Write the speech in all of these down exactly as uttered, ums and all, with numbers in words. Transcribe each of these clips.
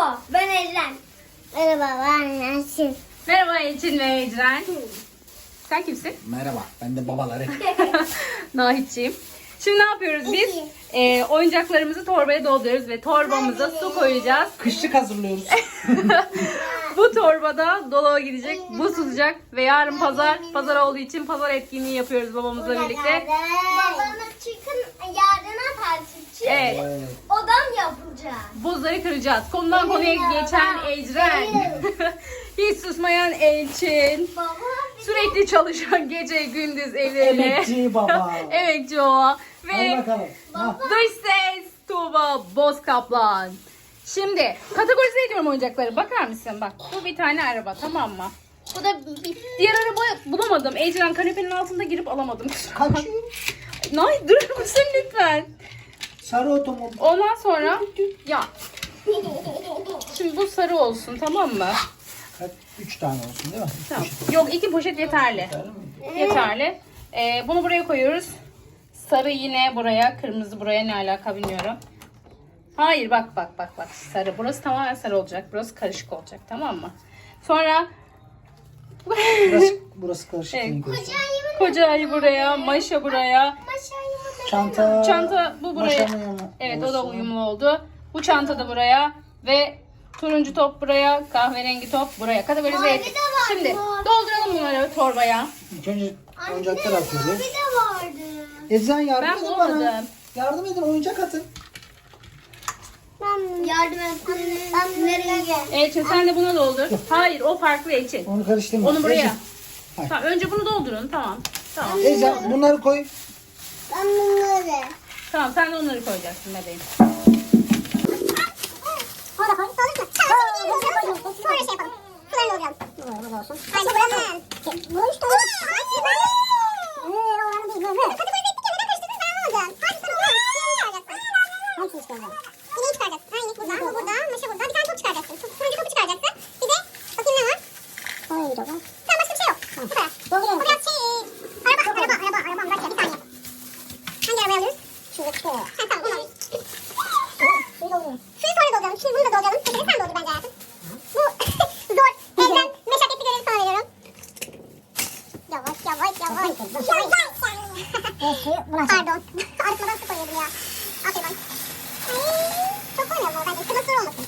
Merhaba, ben Ecren. Merhaba, ben Yasin. Merhaba Elçin ve Ecren. Sen kimsin? Merhaba, ben de babaları. Nahitciğim. Şimdi ne yapıyoruz biz? Ee, oyuncaklarımızı torbaya dolduruyoruz ve torbamıza su koyacağız. Kışlık hazırlıyoruz. Bu torbada dolaba gidecek, bu sıcak ve yarın pazar, pazar olduğu için pazar etkinliği yapıyoruz babamızla birlikte. Babamız çıkın yarına tartışacak. Evet, Evet. Odam yapılacak. buzları kıracağız. Konudan konuya geçen Ecren. Hiç susmayan Elçin. Baba, Sürekli çalışan gece gündüz evlerine. Emekçi baba. Emekçi o. Hadi Ve bakalım. Ha. dış ses Tuğba Bozkaplan. Şimdi kategorize ediyorum oyuncakları. Bakar mısın? Bak bu bir tane araba, tamam mı? Bu da bir, diğer araba bulamadım. Ecren kanepenin altında girip alamadım. Kaçıyor. Nay durur musun lütfen? Sarı otomobil. Ondan sonra ya şimdi bu sarı olsun, tamam mı? Kaç? Üç tane olsun değil mi? Üç Tamam. poşet. Yok, iki poşet yeterli. Yeterli mi? Yeterli. Ee, bunu buraya koyuyoruz. Sarı yine buraya, kırmızı buraya, ne alaka bilmiyorum. Hayır, bak bak bak bak. Sarı. Burası tamamen sarı olacak. Burası karışık olacak, tamam mı? Sonra Burası, burası karışık. Evet. renk olsun. koca ayı buraya, Maşa buraya. Çanta. Çanta bu buraya. Maşa mı yana? Evet, o da Olsun. uyumlu oldu. Bu çanta da buraya ve turuncu top buraya, kahverengi top buraya. Kategorize Mavi ettik. de var, Şimdi mavi. dolduralım bunları torbaya. İlk önce oyuncaklar atıyoruz. Bir de vardı. Ecren yardım Ben edin bulamadım. bana. Yardım edin, oyuncak atın. Ben yardım et. Ben nereye gel? Elçin sen de buna doldur. Hayır, o farklı Elçin. Onu karıştırma. Onu buraya. Ecren, Tamam, önce bunu doldurun. Tamam. Tamam. Ecren bunları koy. Ben bunları. Tamam, sen de onları koyacaksın bebeğim. Orada koy. Olur mu? Tamam. Sonra şey yapalım. Sularını dolduralım. Bu olsun. Hayır, buranın. Bunun üstü olur. Hayır, oranı değil. Böyle. Kategorize ettik ya. Neden karıştırdınız? Ben anlamadım. Hadi sen onu. Hangisini çıkaracaksın? Hangisini çıkaracaksın? İneği çıkaracaksın. Ha, inek burada. Bu burada. Maşa burada. Bir tane top çıkaracaksın. Turuncu topu çıkaracaksın. Bir de bakayım ne var? Tamam, başka bir şey yok. Bu kadar. O biraz şey... Araba, araba, araba, araba. Bir dakika, bir saniye. Hangi arabayı alıyoruz? Şuradaki. Ha, tamam, bunu alayım. Suyu dolduruyorum. Suyu sonra dolduralım. Şimdi bunu da dolduralım. Şimdi sen doldur bence hayatım. Bu zor. Evden meşakkatli görevi sana veriyorum. Yavaş, yavaş, yavaş. Yavaş. Pardon. Arıtmadan su koyuyordum ya. Aferin bana. Ay, çok koymuyorum ama bence. Kırmızı zor olmasın.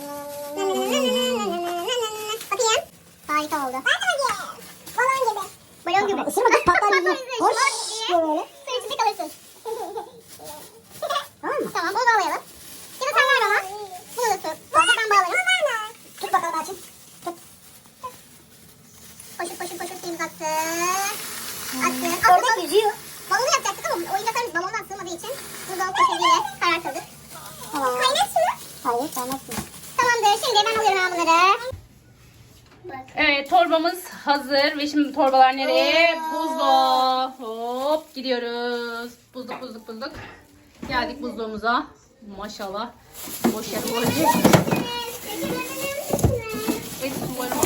Bakayım. Harika oldu. Ben de bakayım. Balon gibi. Balon gibi. Isırma kız, patlar yüzüne. Hoş diye böyle. Suyun içinde kalırsın. Tamam mı? Tamam, bunu bağlayalım. Şimdi sen ver bana. Bunu da tut. Bunu ben bağlarım. Tut bakalım Açın. Tut. Koşup koşup koşup suyumuzu attın. Attın. Orada yüzüyor. Balonu yapacaktık ama oyuncaklarımız balondan sığmadığı için buzdolabı poşetiyle karartıldık. Tamam. Kaynat şunu. Hayır, kaynatsın. Tamamdır. Şimdi ben alıyorum ben bunları. Evet, torbamız hazır ve şimdi torbalar nereye? Buzluğa. Hop gidiyoruz. Buzluk buzluk buzluk. Geldik buzluğumuza. Maşallah. Boş yer olacak. Evet, umarım.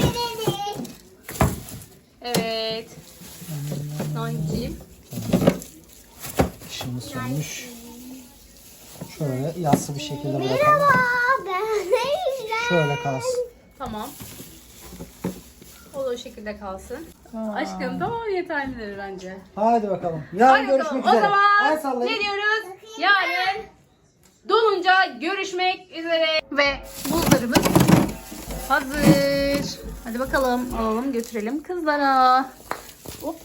Evet. Nahitciğim. Işığımız sönmüş. Şöyle yassı bir şekilde bırakalım. Merhaba. Ben Ejder. Şöyle kalsın. Tamam. O da o şekilde kalsın. Aşkım tamam, yeterlidir bence. Hadi bakalım. Yarın Hadi bakalım. görüşmek O üzere. zaman Hadi sallayın. ne diyoruz? Yarın dolunca görüşmek üzere. Ve buzlarımız hazır. Hadi bakalım, alalım götürelim kızlara. Hop.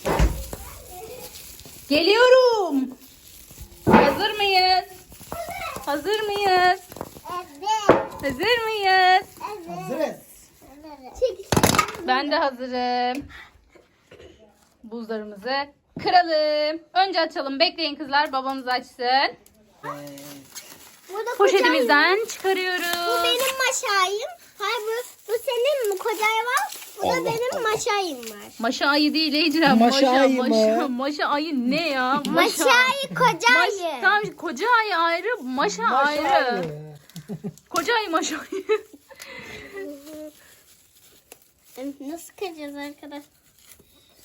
Geliyorum. Hazır mıyız? Hazır mıyız? Evet. Hazır mıyız? Hazırız. Ben de hazırım. Buzlarımızı kıralım. Önce açalım. Bekleyin kızlar. Babamız açsın. Burada Poşetimizden kocayım. çıkarıyoruz. Bu benim maşayım. Hayır bu, bu senin mi kocay var? Bu da benim maşayım var. Maşa ayı değil Ecren. Maşa ayı mı? maşa, maşa ayı ne ya? Maşayı Maş, kocayı. tamam, koca ayı ayrı, maşa, ayrı. Koca ayı, maşa ayı. Nasıl kıracağız arkadaş?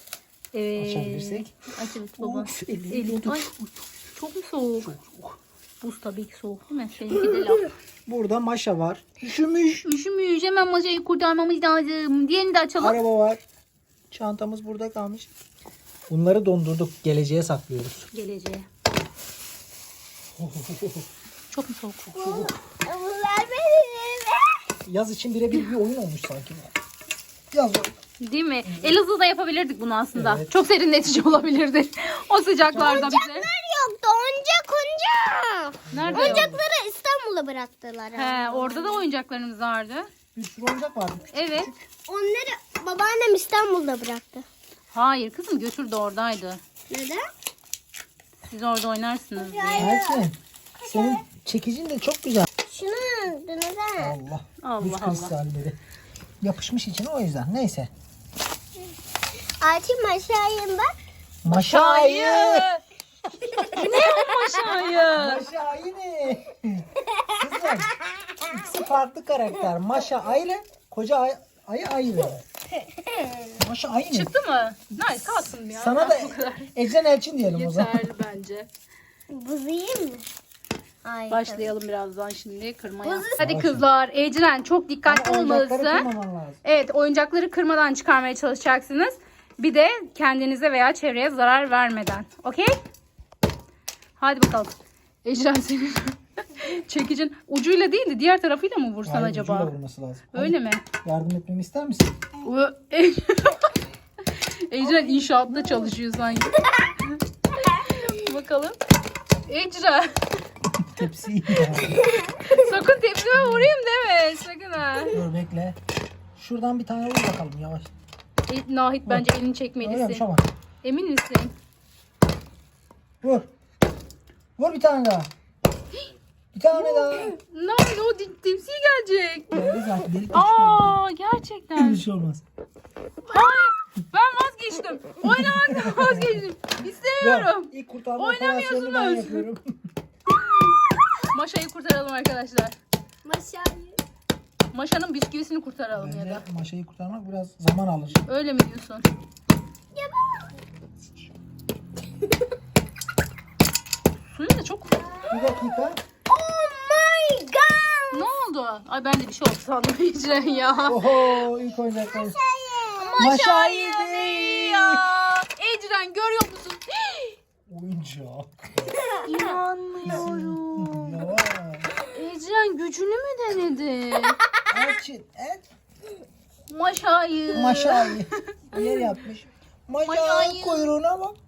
Evet. Açabilirsek. Aç evet baba. Of, elini Elin. tut. Ay, çok mu soğuk? Çok. Buz tabii ki soğuk değil mi? Seninki de laf. Burada Maşa var. Üşümüş. Üşümüş. Hemen Maşa'yı kurtarmamız lazım. Diğerini de açalım. Araba var. Çantamız burada kalmış. Bunları dondurduk. Geleceğe saklıyoruz. Geleceğe. Çok mu soğuk? Bunlar benim. Yaz için birebir bir oyun olmuş sanki. Yaz oyunu. Değil mi? Elazığ'da yapabilirdik bunu aslında. Evet. Çok serinletici olabilirdi. O sıcaklarda bize. Yoktu oyuncak oyuncak. Nerede? Oyuncakları İstanbul'a bıraktılar. He, orada da oyuncaklarımız vardı. Bir sürü oyuncak vardı. Evet. Onları babaannem İstanbul'da bıraktı. Hayır kızım, götürdü, oradaydı. Neden? Siz orada oynarsınız diye. Elçin. Senin çekicin de çok güzel. Şunu neden? Allah. Allah Buz Allah. kristalleri. Yapışmış içine o yüzden. Neyse. Açayım aşağıya bak. Maşayı. Ne o Maşa'yı? Maşa yine. Kızlar. İkisi farklı karakter. Maşa ayrı. Koca ay, ayı ayrı. Maşa aynı. Çıktı mı? Nice, kalsın ya. Sana da Ecren Elçin diyelim o zaman. yeterli bence. Buz yiyeyim mi? Ay, Başlayalım birazdan şimdi kırmaya. Buzlu- Hadi kızlar, Ecren çok dikkatli Ama oyuncakları olmalısın. kırmaman lazım. Evet, oyuncakları kırmadan çıkarmaya çalışacaksınız. Bir de kendinize veya çevreye zarar vermeden. Okey? Hadi bakalım. Ecren senin çekicin ucuyla değil de diğer tarafıyla mı vursan Hayır, acaba? ucuyla vurması lazım. Öyle mi? Yardım etmemi ister misin? Ö- Ecren inşaatta çalışıyor sanki. Bakalım. Ecren. Tepsiyi. Sakın tepsime vurayım deme. Sakın ha. Dur bekle. Şuradan bir tane vur bakalım yavaş. E, Nahit bence elini Öyle çekmelisin. bir şey var. Emin misin? Vur. Vur bir tane daha. Bir tane daha. Nahit o di- tepsiye gelecek. Geldi zaten. Delik deşik oldu. Aa gerçekten. Bir şey olmaz. Hayır. Ben vazgeçtim. Oynamaktan vazgeçtim. İstemiyorum. Yok, ilk kurtarma Oynamıyorsunuz. operasyonunu ben yapıyorum. Maşa'yı kurtaralım arkadaşlar. Maşayı. Maşa'nın bisküvisini kurtaralım ya Bence da. maşayı kurtarmak biraz zaman alır. Öyle mi diyorsun? Ya ben. Suyun da çok... Bir dakika. Oh my god. Ne oldu? Ay ben de bir şey oldu sandım Ecren ya. Oho ilk oyuncaklar. Maşayı değil. ya. Ecren görüyor musun? Oyuncak. İnanmıyorum. Ya. Ecren gücünü mü denedi? Elçin. El. Maşayı. Maşayı. Yer yapmış. Maşayı Maşayı. kuyruğuna bak.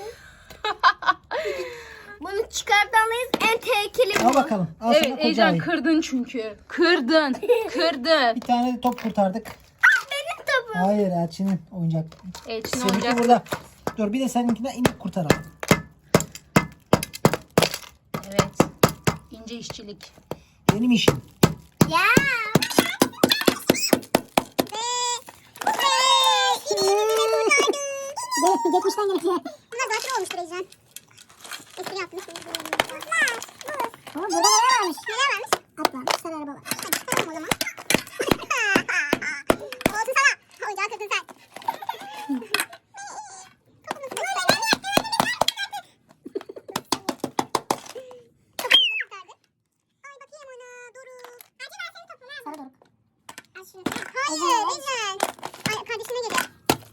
Bunu çıkartamayız. En tehlikeli Al bu. bakalım. Al Evet sana koca Ecren ayı. kırdın çünkü. Kırdın. Kırdın. Bir tane de top kurtardık. Benim topum. Hayır Elçin'in oyuncak. Elçin Seninki oyuncak. burada. Dur bir de seninkinden inip kurtaralım. Evet. İnce işçilik. Benim işim. Ya. Evet, geçmişten geleceğe. Bunlar zaten olmuştur Ecren. Espri yapmış. Ama burada neler varmış? Neler varmış? At varmış, sarı araba var. Hadi çıkartalım o zaman. Oldu sana. Oyuncağı kırdın sen. Topumuzu kurtardık. Topumuzu kurtardık. Ay bakayım ona. Doruk. Hadi ver senin topunu. Sarı doruk. Al şunu. Hayır Ecren. Ay kardeşine geliyor.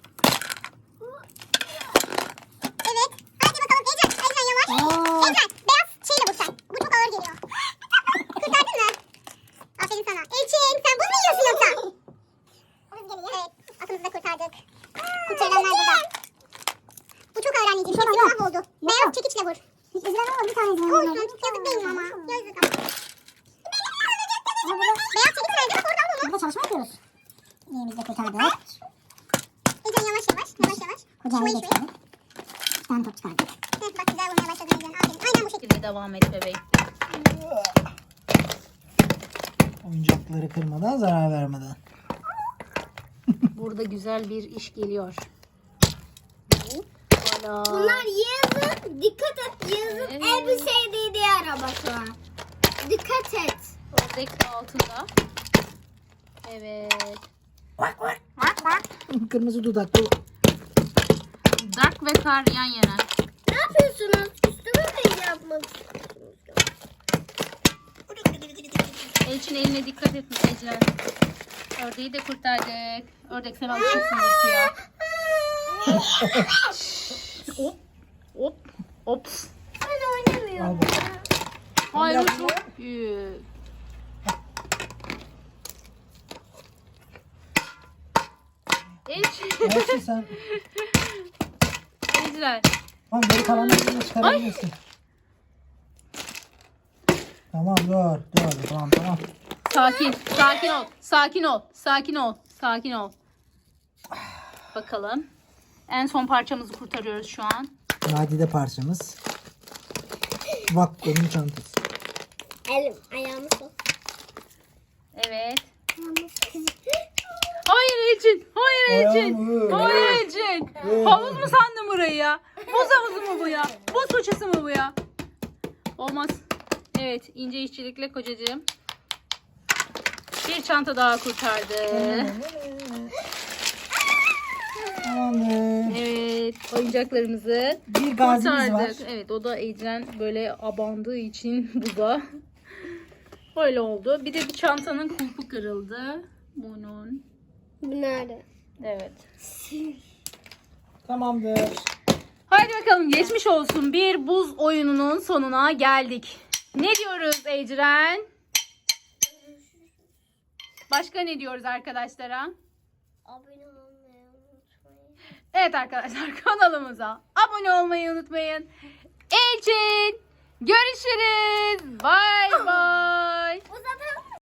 Evet. Hadi bakalım Ecren. Ecren yavaş. Oo. Ecren beyaz şeyle vur sen. Bu çok ağır geliyor. Kurtardın mı? Aferin sana. Elçin sen buz mu yiyorsun yoksa? Buz geliyor. Evet. Atımızı da kurtardık. Kurtarılanlar burada. Bu çok ağır anneciğim. Hepsi mahvoldu. Beyaz çekiçle vur. İzleme var, bir tane izleme var. Olsun. Yazık değil mi ama? Yazık ama. Ama burada, Beyaz çekiç nerede? Bak oradan bunu. burada çalışma yapıyoruz. İyimizi de kurtardık. Ecren yavaş yavaş. Yavaş yavaş. Kocaman Şurayı şuraya. geçti. Bir tane top çıkardık. Evet bak güzel vurmaya başladın Ecren. Aferin. Aynen bu şekilde. Şekilde devam et bebeğim. Oyuncakları kırmadan, zarar vermeden. Burada güzel bir iş geliyor. Hala. Bunlar yazın. Dikkat et. Yazın Evet. en bir sevdiği arabası var. Dikkat et. Ördek altında. Evet. Kırmızı dudaklı. Dark ve kar yan yana. Ne yapıyorsunuz? Üstüme mi yapmak istiyorsunuz? Elçin eline dikkat et Ecren. Ördeği de kurtardık. Ördek sen alışırsın ya. Hop. Hop. Ops. Ben oynamıyorum. Al bakalım. Hayır Yap o çok büyük. Elçin. Elçin sen. Ecren. Tamam geri kalanlarını çıkarabilirsin. Tamam dur. Dur tamam tamam. Sakin. Sakin ol. Sakin ol. Sakin ol. Sakin ol. Bakalım. En son parçamızı kurtarıyoruz şu an. Nadide parçamız. Bak onun çantası. Elim, ayağımı sok. Evet. Ayağımı sok. Hayır Elçin. Hayır Elçin. Ayağım, Hayır Elçin. Havuz mu sandın burayı ya? Buz havuzu mu bu ya? Buz fırçası mı bu ya? Olmaz. Evet, ince işçilikle kocacığım. Bir çanta daha kurtardı. Tamamdır. Evet, oyuncaklarımızı Bir gazimiz var. kurtardık. Evet, o da Ecren böyle abandığı için bu da öyle oldu. Bir de bir çantanın kulpu kırıldı. Bunun. Bu nerede? Evet. Tamamdır. Haydi bakalım geçmiş olsun. Bir buz oyununun sonuna geldik. Ne diyoruz Ecren? Başka ne diyoruz arkadaşlara? Abone olmayı unutmayın. Evet arkadaşlar kanalımıza abone olmayı unutmayın. Ecin görüşürüz. Bye bye. Uzatalım.